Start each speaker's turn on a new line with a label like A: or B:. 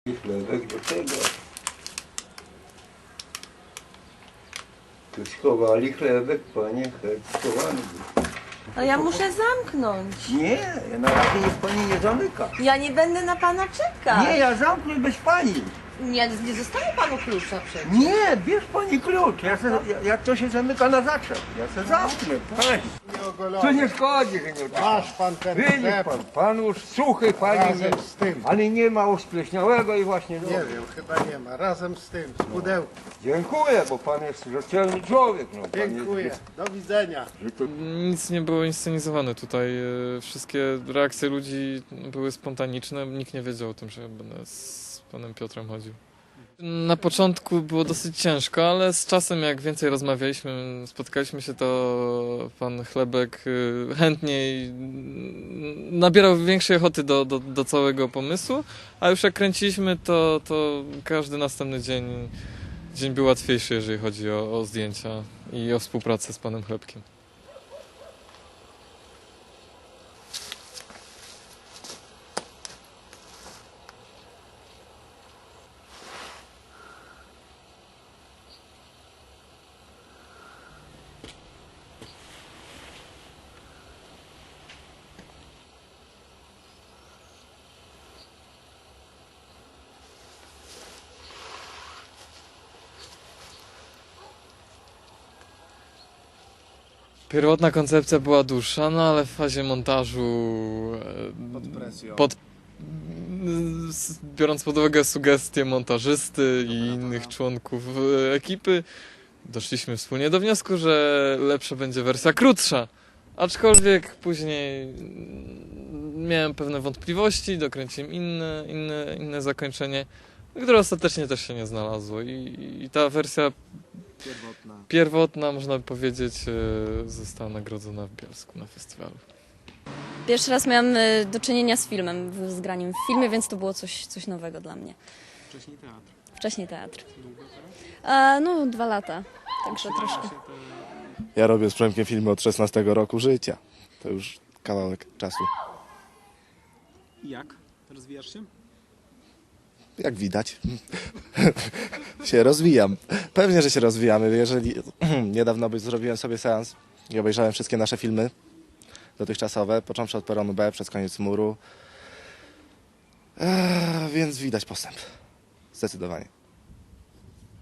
A: Chlebek do tego. Tu schowali chlebek, panie, chleb schowany był.
B: Ale ja muszę zamknąć.
A: Nie, na razie niech pani nie zamyka.
B: Ja nie będę na pana czekać.
A: Nie, ja zamknę bez pani.
B: Nie zostawię panu klucza przecież.
A: Nie, bierz pani klucz. Ja to się zamyka na zaczep. Ja se zamknę, pani. To nie szkodzi, że nie odczytam.
C: Masz pan ten
A: Wynieś
C: chleb.
A: pan już suchy, pani
C: Razem
A: nie,
C: z tym.
A: ale nie ma uspleśniałego i właśnie
C: Nie wiem, chyba nie ma. Razem z tym, z pudełkiem.
A: Dziękuję, bo pan jest rzetelny człowiek. No, pan
C: Dziękuję.
A: Jest,
C: Do widzenia.
A: że to
D: Nic nie było inscenizowane tutaj. Wszystkie reakcje ludzi były spontaniczne. Nikt nie wiedział o tym, że będę z panem Piotrem chodził. Na początku było dosyć ciężko, ale z czasem jak więcej rozmawialiśmy, spotkaliśmy się, to pan Chlebek chętniej nabierał większej ochoty do całego pomysłu, a już jak kręciliśmy, to każdy następny dzień był łatwiejszy, jeżeli chodzi o zdjęcia i o współpracę z panem Chlebkiem. Pierwotna koncepcja była dłuższa, no ale w fazie montażu,
C: Pod presją.
D: biorąc pod uwagę sugestie montażysty i innych członków ekipy, doszliśmy wspólnie do wniosku, że lepsza będzie wersja krótsza. Aczkolwiek później miałem pewne wątpliwości, dokręciłem inne zakończenie, które ostatecznie też się nie znalazło. I ta wersja pierwotna, można by powiedzieć, została nagrodzona w Bielsku na festiwalu.
E: Pierwszy raz miałam do czynienia z filmem, z graniem w filmie, więc to było coś nowego dla mnie.
F: Wcześniej teatr.
E: Wcześniej teatr.
F: Długo teraz?
E: No, 2 lata, także troszkę.
G: Ja robię z Przemkiem filmy od 16 roku życia. To już kawałek czasu.
F: I jak? Rozwijasz się?
G: Jak widać, się rozwijam. Pewnie, że się rozwijamy. Jeżeli niedawno zrobiłem sobie seans i obejrzałem wszystkie nasze filmy dotychczasowe, począwszy od Peronu B, przez koniec Muru. Więc widać postęp. Zdecydowanie.